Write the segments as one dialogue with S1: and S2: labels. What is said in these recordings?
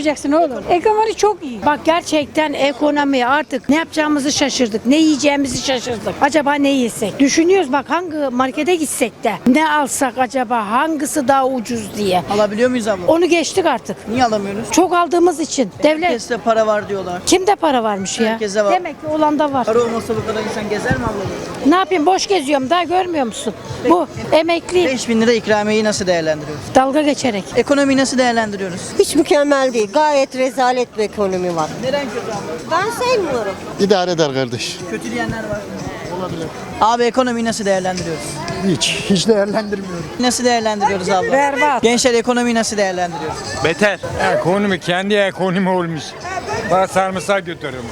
S1: yapacaksın oğlum? Ekonomi çok iyi. Bak gerçekten ekonomi artık ne yapacağımızı şaşırdık. Ne yiyeceğimizi şaşırdık. Acaba ne yesek? Düşünüyoruz bak hangi markete gitsek de ne alsak acaba hangisi daha ucuz diye.
S2: Alabiliyor muyuz abla?
S1: Onu geçtik artık.
S2: Niye alamıyoruz?
S1: Çok aldığımız için. Devlet.
S2: Herkeste para var diyorlar.
S1: Kimde para varmış ya?
S2: Herkese var.
S1: Demek ki olan da var.
S2: Para olmasa bu kadar insan gezer mi abla?
S1: Ne yapayım boş geziyorum daha görmüyor musun? Bu emekli
S2: 5.000 lira ikramiyeyi nasıl değerlendiriyoruz?
S1: dalga geçerek.
S2: Ekonomiyi nasıl değerlendiriyoruz?
S3: Hiç mükemmel değil. Gayet rezalet bir ekonomi var.
S2: Neden kötü abla?
S3: Ben sevmiyorum.
S4: İdare eder kardeş.
S2: Kötü diyenler var. Olabilir. Abi ekonomiyi nasıl değerlendiriyoruz?
S4: Hiç değerlendirmiyorum.
S2: Nasıl değerlendiriyoruz abla?
S1: Berbat.
S2: Gençler ekonomiyi nasıl değerlendiriyoruz?
S5: Beter. Ekonomi kendi ekonomi olmuş. Bana sarımsak götürüyorum.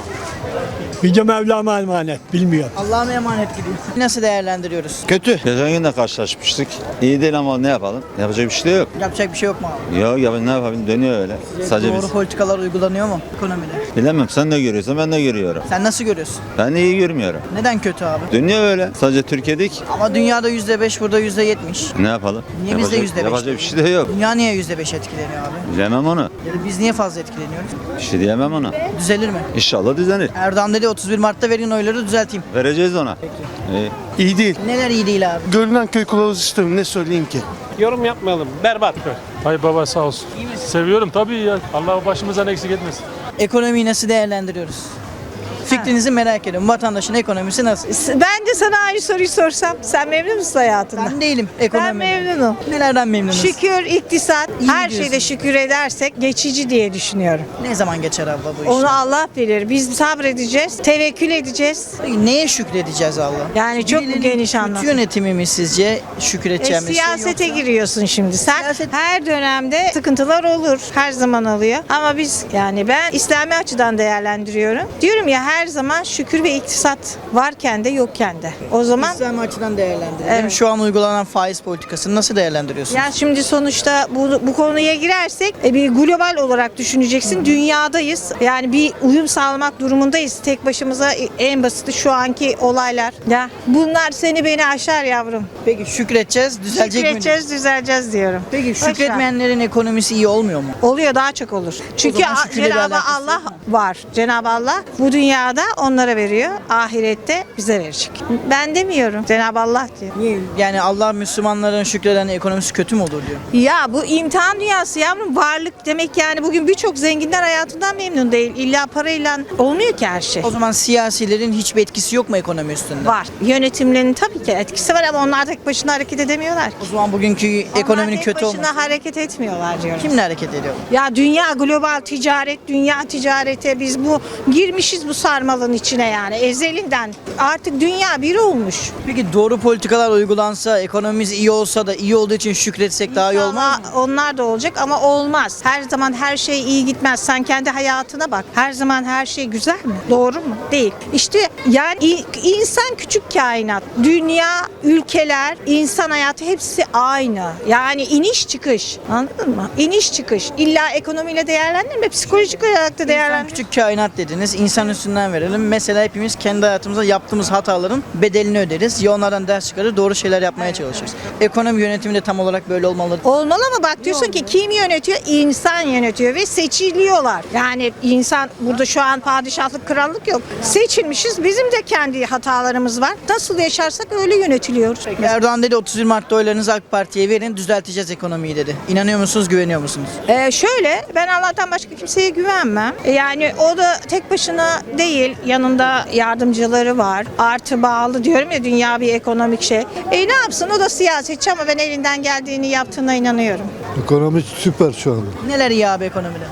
S6: Yüce Mevlam'a emanet, bilmiyor.
S2: Allah'a emanet gidiyor. Nasıl değerlendiriyoruz?
S4: Kötü.
S7: Geçen gün de karşılaşmıştık. İyi değil ama ne yapalım? Yapacak bir şey de yok.
S2: Yapacak bir şey yok mu abi?
S7: Ya ne yapalım dönüyor öyle. Sadece
S2: Doğru
S7: biz.
S2: politikalar uygulanıyor mu ekonomide?
S7: Bilemem sen ne görüyorsun ben de görüyorum.
S2: Sen nasıl görüyorsun?
S7: Ben iyi görmüyorum.
S2: Neden kötü abi?
S7: Dönüyor öyle. Sadece Türkiye'dik.
S2: Ama dünyada %5, burada %70.
S7: Ne yapalım?
S2: Niye bizde %5?
S7: Yapacak bir şey de yok.
S2: Dünya niye %5 etkileniyor abi?
S7: Bilemem onu.
S2: Ya da biz niye fazla etkileniyoruz?
S7: Bir şey diyemem ona.
S2: Düzelir mi?
S7: İnşallah düzenir.
S2: Erdoğan dedi 31 Mart'ta verin oyları düzelteyim.
S7: Vereceğiz ona. İyi.
S4: İyi değil.
S2: Neler iyi değil abi?
S4: Görünen köy kılavuz sistemi ne söyleyeyim ki?
S8: Yorum yapmayalım. Berbat. Hay baba sağ olsun. Seviyorum tabii ya. Allah başımızdan eksik etmesin.
S2: Ekonomiyi nasıl değerlendiriyoruz? Fikrinizi merak ediyorum. Vatandaşın ekonomisi nasıl?
S9: Ben de sana aynı soruyu sorsam, sen memnun musun hayatından?
S2: Ben değilim
S9: Ben
S2: ekonomiden.
S9: memnunum.
S2: Nelerden memnunuz?
S9: Şükür, iktisat,
S2: İyi
S9: her
S2: diyorsun.
S9: şeyde şükür edersek geçici diye düşünüyorum.
S2: Ne zaman geçer abla bu iş?
S9: Onu Allah bilir. Biz sabredeceğiz, tevekkül edeceğiz.
S2: Neye şükredeceğiz Allah?
S9: Yani çok
S2: Birilerinin
S9: geniş
S2: kötü
S9: anlamda.
S2: yönetimi mi sizce şükredeceğimiz şey
S9: Siyasete
S2: yoksa?
S9: giriyorsun şimdi. Sen
S2: Siyaset-
S9: her dönemde sıkıntılar olur. Her zaman oluyor. Ama biz yani ben İslami açıdan değerlendiriyorum. Diyorum ya her zaman şükür ve iktisat varken de yokken de. O zaman
S2: İslam açıdan değerlendirelim.
S9: Evet.
S2: Şu an uygulanan faiz politikasını nasıl değerlendiriyorsunuz?
S9: yani şimdi sonuçta bu konuya girersek bir global olarak düşüneceksin. Dünyadayız. Yani bir uyum sağlamak durumundayız. Tek başımıza en basiti şu anki olaylar. Ya bunlar seni beni aşar yavrum.
S2: Peki şükredeceğiz, düzelecek mi?
S9: Şükredeceğiz, düzeleceğiz diyorum.
S2: Peki
S9: Boş ver.
S2: şükretmeyenlerin ekonomisi iyi olmuyor mu?
S9: Oluyor, daha çok olur. Çünkü
S2: zaman şükürle bir
S9: Cenab-ı
S2: alakası
S9: Allah
S2: yok mu?
S9: var. Cenab-ı Allah bu dünyada onlara veriyor. Ahirette bize verecek. Ben demiyorum. Cenab-ı Allah diyor.
S2: Niye? Yani Allah Müslümanların şükreden ekonomisi kötü mü olur diyor.
S9: Ya bu imtihan dünyası yavrum, varlık demek yani bugün birçok zenginler hayatından memnun değil. İlla parayla olmuyor ki her şey.
S2: O zaman siyasilerin hiçbir etkisi yok mu ekonomi üstünde?
S9: Var. Yönetimlerinin tabii ki etkisi var ama onlar tek başına hareket edemiyorlar ki.
S2: O zaman bugünkü ekonominin
S9: Onlar tek
S2: kötü
S9: başına
S2: olması.
S9: hareket etmiyorlar diyorum.
S2: Kimle hareket ediyor?
S9: Ya dünya global ticaret, dünya ticarete biz bu girmişiz bu sarmalın içine yani ezelinden. Artık dünya bir olmuş.
S2: Peki doğru politikalar uygulansa, ekonomimiz iyi olsa da iyi olduğu için şükretsek daha iyi olmaz mı?
S9: Ama onlar da olacak ama olmaz. Her zaman her şey iyi gitmez. Sen kendi hayatına bak. Her zaman her şey güzel mi? Doğru mu? Değil. İşte yani insan küçük kainat. Dünya, ülkeler, insan hayatı hepsi aynı. Yani iniş çıkış. Anladın mı? İniş çıkış. İlla ekonomiyle değerlendirme. Psikolojik olarak da
S2: İnsan
S9: değerlendirme.
S2: küçük kainat dediniz. İnsan üstünden verelim. Mesela hepimiz kendi hayatımızda yaptığımız hataların bedelini öderiz. Ya onlardan ders çıkarır, doğru şeyler yapmaya çalışırız. Ekonomi yönetimi de tam olarak böyle olmalı.
S9: Olmalı ama bak diyorsun ki kim yönetiyor? İnsan yönetiyor ve seçiliyorlar. Yani insan burada şu an padişahlık, krallık yok. Seçilmişiz. Bizim de kendi hatalarımız var. Nasıl yaşarsak öyle yönetiliyoruz.
S2: Erdoğan dedi 31 Mart'ta oylarınızı AK Parti'ye verin, düzelteceğiz ekonomiyi dedi. İnanıyor musunuz, güveniyor musunuz?
S9: Şöyle ben Allah'tan başka kimseye güvenmem. Yani o da tek başına değil. Yanında yardımcıları var. Artı bağlı diyorum ya, dünya bir ekonomik şey. Ne yapsın, o da siyasetçi ama ben elinden geldiğini yaptığına inanıyorum.
S4: Ekonomi süper şu anda.
S2: Neler iyi abi ekonomide?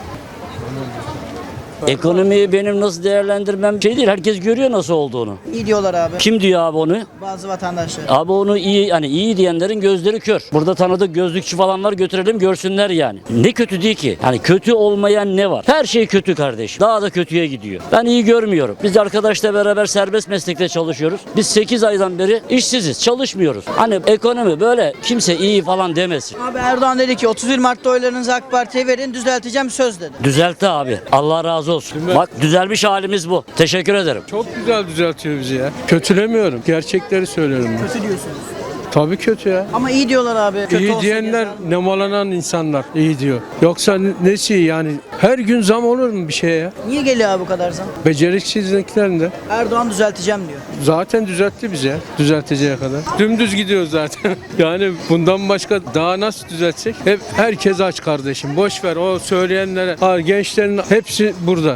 S10: Ekonomiyi benim nasıl değerlendirmem şey değil. Herkes görüyor nasıl olduğunu.
S2: İyi diyorlar abi.
S10: Kim diyor abi onu?
S2: Bazı vatandaşlar.
S10: Abi onu iyi, hani iyi diyenlerin gözleri kör. Burada tanıdık gözlükçü falan var, götürelim görsünler yani. Ne kötü değil ki? Hani kötü olmayan ne var? Her şey kötü kardeşim. Daha da kötüye gidiyor. Ben iyi görmüyorum. Biz arkadaşla beraber serbest meslekte çalışıyoruz. Biz 8 aydan beri işsiziz. Çalışmıyoruz. Hani ekonomi böyle kimse iyi falan demesin.
S2: Abi Erdoğan dedi ki 31 Mart'ta oylarınızı AK Parti'ye verin, düzelteceğim söz dedi.
S10: Düzeltti abi. Allah razı olsun. Bak düzelmiş halimiz bu. Teşekkür ederim.
S8: Çok güzel düzeltiyor bizi ya. Kötülemiyorum. Gerçekleri söylüyorum ben.
S2: Kötü diyorsunuz.
S8: Tabii kötü ya.
S2: Ama iyi diyorlar abi. Kötü
S8: İyi
S2: olsa
S8: diyenler
S2: yazar.
S8: nemalanan insanlar iyi diyor. Yoksa nesi yani
S6: Her gün zam olur mu bir şeye ya?
S2: Niye geliyor abi bu kadar zam?
S6: Beceriksizliklerinden.
S2: Erdoğan düzelteceğim diyor.
S6: Zaten düzeltti bize düzelteceği kadar. Dümdüz gidiyor zaten. Yani bundan başka daha nasıl düzeltecek? Hep herkes aç kardeşim. Boş ver o söyleyenlere. Ha, gençlerin hepsi burada.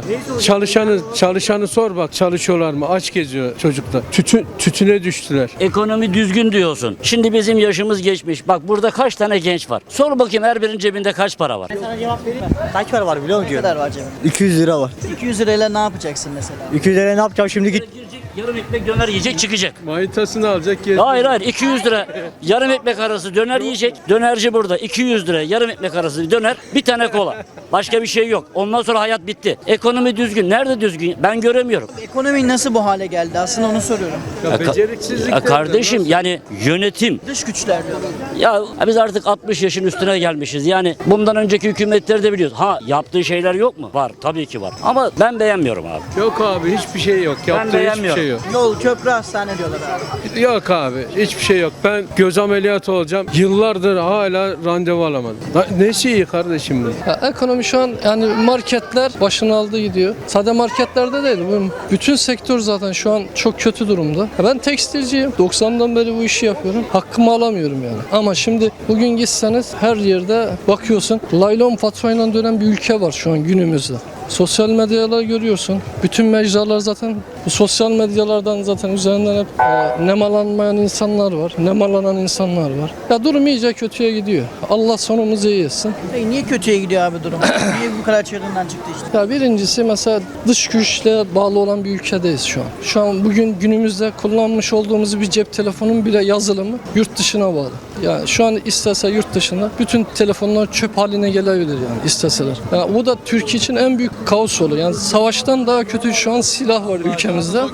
S6: Çalışanı sor bak çalışıyorlar mı? Aç geziyor çocuklar. Tütüne düştüler.
S10: Ekonomi düzgün diyorsun. Şimdi bizim yaşımız geçmiş. Bak burada kaç tane genç var? Sor bakayım her birinin cebinde kaç para var?
S2: Sana cevap vereyim mi?
S11: Kaç para var biliyor
S2: Ne
S11: musun?
S2: kadar var cebinde?
S11: 200 lira var.
S2: 200 lirayla ne yapacaksın mesela?
S11: 200 liraya ne yapacağım şimdi git.
S10: Girecek, yarım ekmek döner yiyecek çıkacak.
S6: Manitasını alacak gezecek.
S10: Hayır 200 lira yarım ekmek arası döner yiyecek. Dönerci burada 200 lira yarım ekmek arası döner bir tane kola. Başka bir şey yok. Ondan sonra hayat bitti. Ekonomi düzgün. Nerede düzgün? Ben göremiyorum.
S2: Ekonomi nasıl bu hale geldi? Aslında onu soruyorum.
S6: Ya beceriksizlikler.
S10: Kardeşim yani yönetim.
S2: Dış güçler diyorlar.
S10: Ya biz artık 60 yaşın üstüne gelmişiz. Yani bundan önceki hükümetleri de biliyoruz. Ha yaptığı şeyler yok mu? Var tabii ki var. Ama ben beğenmiyorum abi.
S6: Yok abi hiçbir şey yok. Yaptığı hiçbir
S10: beğenmiyorum.
S6: şey yok.
S2: Yol, köprü, hastane diyorlar abi.
S6: Yok abi hiçbir şey yok. Ben göz ameliyatı olacağım. Yıllardır hala randevu alamadım. Nesi iyi kardeşim bu?
S12: Ya ekonomi şu an yani marketler başını aldı gidiyor. Sadece marketlerde değil. Bütün sektör zaten şu an çok kötü durumda. Ya ben tekstilciyim. 90'dan beri bu işi yapıyorum. Hakkımı alamıyorum yani. Ama şimdi bugün gitseniz her yerde bakıyorsun. Laylon faturayla dönen bir ülke var şu an günümüzde. Sosyal medyalar görüyorsun. Bütün mecralar zaten bu sosyal medyalardan zaten üzerinden hep nemalanmayan insanlar var. Nemalanan insanlar var. Ya durum iyice kötüye gidiyor. Allah sonumuzu iyi etsin.
S2: Peki niye kötüye gidiyor abi durum? Niye bu kadar çığırından çıktı işte?
S12: Ya birincisi mesela dış güçle bağlı olan bir ülkedeyiz şu an. Şu an bugün günümüzde kullanmış olduğumuz bir cep telefonun bile yazılımı yurt dışına bağlı. Yani şu an istese yurt dışında bütün telefonlar çöp haline gelebilir yani isteseler. Yani bu da Türkiye için en büyük kaos olur. Yani savaştan daha kötü şu an silah var ülkemizde.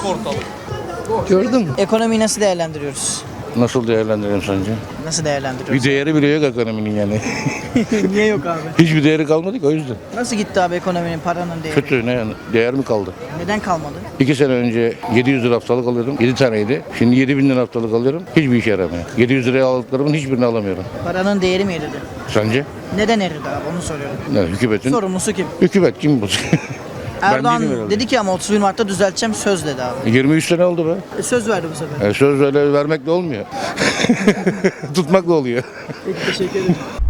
S12: Gördün mü?
S2: Ekonomiyi nasıl değerlendiriyoruz?
S7: Nasıl değerlendirelim sence?
S2: Nasıl
S7: Bir
S2: değerlendiriyoruz?
S7: değeri bile yok ekonominin yani.
S2: Niye yok abi?
S7: Hiçbir değeri kalmadı ki o yüzden.
S2: Nasıl gitti abi ekonominin, paranın değeri?
S7: Kötü ne yani? Değer mi kaldı?
S2: Neden kalmadı?
S7: 2 sene önce 700 lira haftalık alıyordum. 7 taneydi. Şimdi 7000 lira haftalık alıyorum. Hiçbir işe yaramıyor. 700 liraya aldıklarımın hiçbirini alamıyorum.
S2: Paranın değeri mi eridi?
S7: Sence?
S2: Neden eridi abi onu soruyorum.
S7: Ne, hükümetin?
S2: Sorumlusu kim?
S7: Hükümet kim bu?
S2: Erdoğan
S7: değilim herhalde.
S2: dedi ki ama 31 Mart'ta düzelteceğim söz dedi abi.
S7: 23 sene oldu be.
S2: Söz verdi bu sefer.
S7: Söz öyle vermekle olmuyor. Tutmakla oluyor.
S2: Peki teşekkür ederim.